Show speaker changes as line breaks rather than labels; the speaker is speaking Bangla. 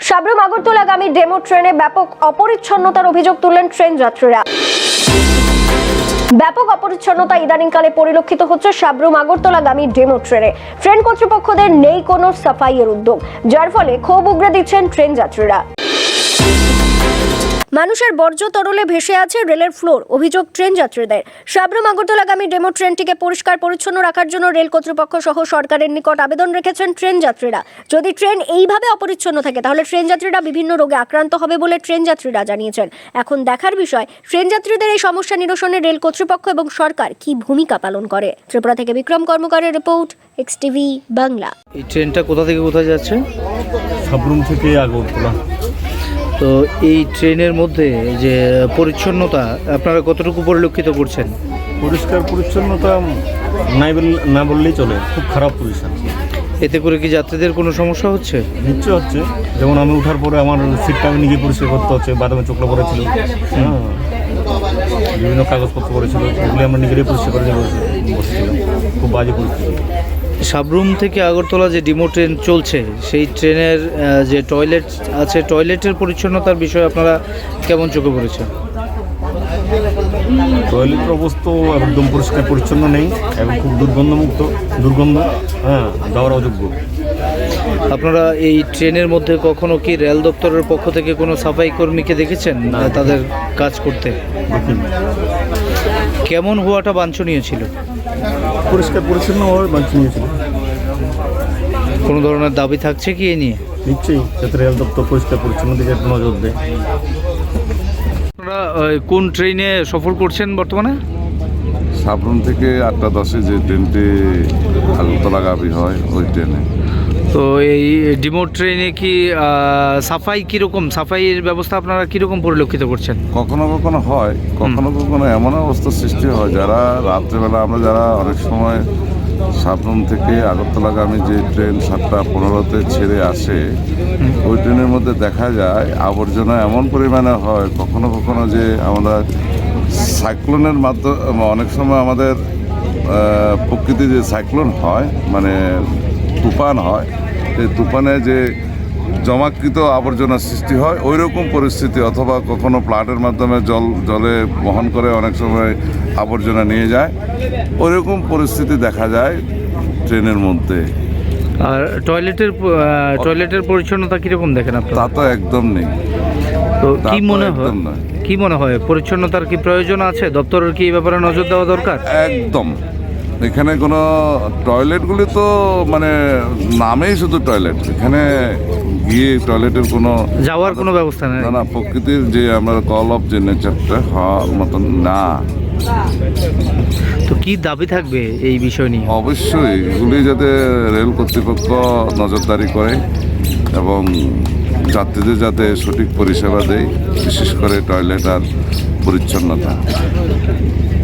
সাবরুম আগরতলাগামী ডেমো ট্রেনে ব্যাপক অপরিচ্ছন্নতার অভিযোগ তুললেন ট্রেন যাত্রীরা। ব্যাপক অপরিচ্ছন্নতা ইদানিংকালে পরিলক্ষিত হচ্ছে সাবরুম আগরতলাগামী ডেমো ট্রেনে। ট্রেন কর্তৃপক্ষদের নেই কোনো সাফাইয়ের উদ্যোগ, যার ফলে ক্ষোভ উগরে দিচ্ছেন ট্রেন যাত্রীরা। মানুষের বর্জ্য তরলে ভেসে আছে রেলের ফ্লোর, অভিযোগ ট্রেন যাত্রীদের। সাবরুম আগরতলাগামী ডেমো ট্রেনটিকে পরিষ্কার পরিচ্ছন্ন রাখার জন্য রেল কর্তৃপক্ষ সহ সরকারের নিকট আবেদন রেখেছেন ট্রেন যাত্রীরা। যদি ট্রেন এইভাবে অপরিচ্ছন্ন থাকে তাহলে ট্রেন যাত্রীরা বিভিন্ন রোগে আক্রান্ত হবে বলে ট্রেন যাত্রীরা জানিয়েছেন। এখন দেখার বিষয় ট্রেন যাত্রীদের এই সমস্যা নিরসনে রেল কর্তৃপক্ষ এবং সরকার কি ভূমিকা পালন করে। ত্রিপুরা থেকে বিক্রম কর্মকারের রিপোর্ট, এক্সটিভি বাংলা।
এই ট্রেনটা কোথা থেকে কোথায় যাচ্ছে?
সাবরুম থেকে আগরতলা।
তো এই ট্রেনের মধ্যে যে পরিচ্ছন্নতা আপনারা কতটুকু পরিলক্ষিত করছেন?
পরিষ্কার পরিচ্ছন্নতা না বললেই চলে, খুব খারাপ পরিষ্কার।
এতে করে কি যাত্রীদের কোনো সমস্যা হচ্ছে?
নিশ্চয় হচ্ছে। যেমন আমি ওঠার পরে আমার সিটটা আমি নিজে পরিষ্কার করতে হচ্ছে, বাদামে চোখলা পড়েছিল, বিভিন্ন কাগজপত্র পড়েছিল, এগুলি আমরা নিজেরাই পরিষ্কার করে বসেছিলাম। খুব বাজে পরিস্থিতি।
সাবরুম থেকে আগরতলা যে ডেমো ট্রেন চলছে, সেই ট্রেনের যে টয়লেট আছে, টয়লেটের পরিচ্ছন্নতার বিষয়ে আপনারা কেমন চোখে পড়েছে?
টয়লেটের অবস্থা একদম পরিষ্কার পরিচ্ছন্ন নেই এবং খুব দুর্গন্ধ, যাওয়ার অযোগ্য।
আপনারা এই ট্রেনের মধ্যে কখনো কি রেল দপ্তরের পক্ষ থেকে কোনো সাফাই কর্মীকে দেখেছেন তাদের কাজ করতে?
দেখিনি।
কেমন হওয়াটা বাঞ্ছনীয় ছিল?
পরিষ্কার পরিচ্ছন্নভাবে বাঞ্ছনীয় ছিল।
কোনো ধরনের দাবি থাকছে কি এ নিয়ে?
নিশ্চয়ই, যাতে রেল দপ্তর পরিষ্কার পরিচ্ছন্ন দিকে একটু নজর দেয়।
আপনারা কোন ট্রেনে সফর করছেন বর্তমানে?
সাবরুম থেকে 8:10 যে ট্রেনটি আগরতলাগামী হয় ওই ট্রেনে।
তো এই ডেমো ট্রেনে কি সাফাই কীরকম, সাফাইয়ের ব্যবস্থা আপনারা কীরকম পরিলক্ষিত করছেন?
কখনো কখনো হয়, কখনো কখনো এমন অবস্থার সৃষ্টি হয় যারা রাত্রেবেলা আমরা যারা অনেক সময় সাবরুম থেকে আগরতলাগামী যে ট্রেন 7:15-তে ছেড়ে আসে, ওই ট্রেনের মধ্যে দেখা যায় আবর্জনা এমন পরিমাণে হয়। কখনো কখনো যে আমরা সাইক্লোনের মাধ্যমে অনেক সময় আমাদের প্রকৃতি যে সাইক্লোন হয়, মানে তুফান হয়, সেই তুফানে যে জমাকৃত আবর্জনার সৃষ্টি হয়, ওই রকম পরিস্থিতি, অথবা কখনো প্লাটের মাধ্যমে জলে বহন করে অনেক সময় আবর্জনা নিয়ে যায়, ওই রকম পরিস্থিতি দেখা যায় ট্রেনের মধ্যে।
আর টয়লেটের পরিচ্ছন্নতা কীরকম দেখেন আপনারা?
তা তো একদম নেই।
তো কি মনে হয়,
একদম নয়।
কি মনে হয় পরিচ্ছন্নতার কি প্রয়োজন আছে? দপ্তরের কি এই ব্যাপারে নজর দেওয়া দরকার?
একদম। এখানে কোনো টয়লেটগুলি তো মানে নামেই শুধু টয়লেট, এখানে গিয়ে টয়লেটের কোনো
যাওয়ার কোনো ব্যবস্থা নেই।
না, প্রকৃতির যে আমরা কল অফ যে নেচারটা হওয়ার মতন না।
তো কি দাবি থাকবে এই বিষয় নিয়ে?
অবশ্যই এগুলি যাতে রেল কর্তৃপক্ষ নজরদারি করে এবং যাত্রীদের যাতে সঠিক পরিষেবা দেয়, বিশেষ করে টয়লেট আর পরিচ্ছন্নতা।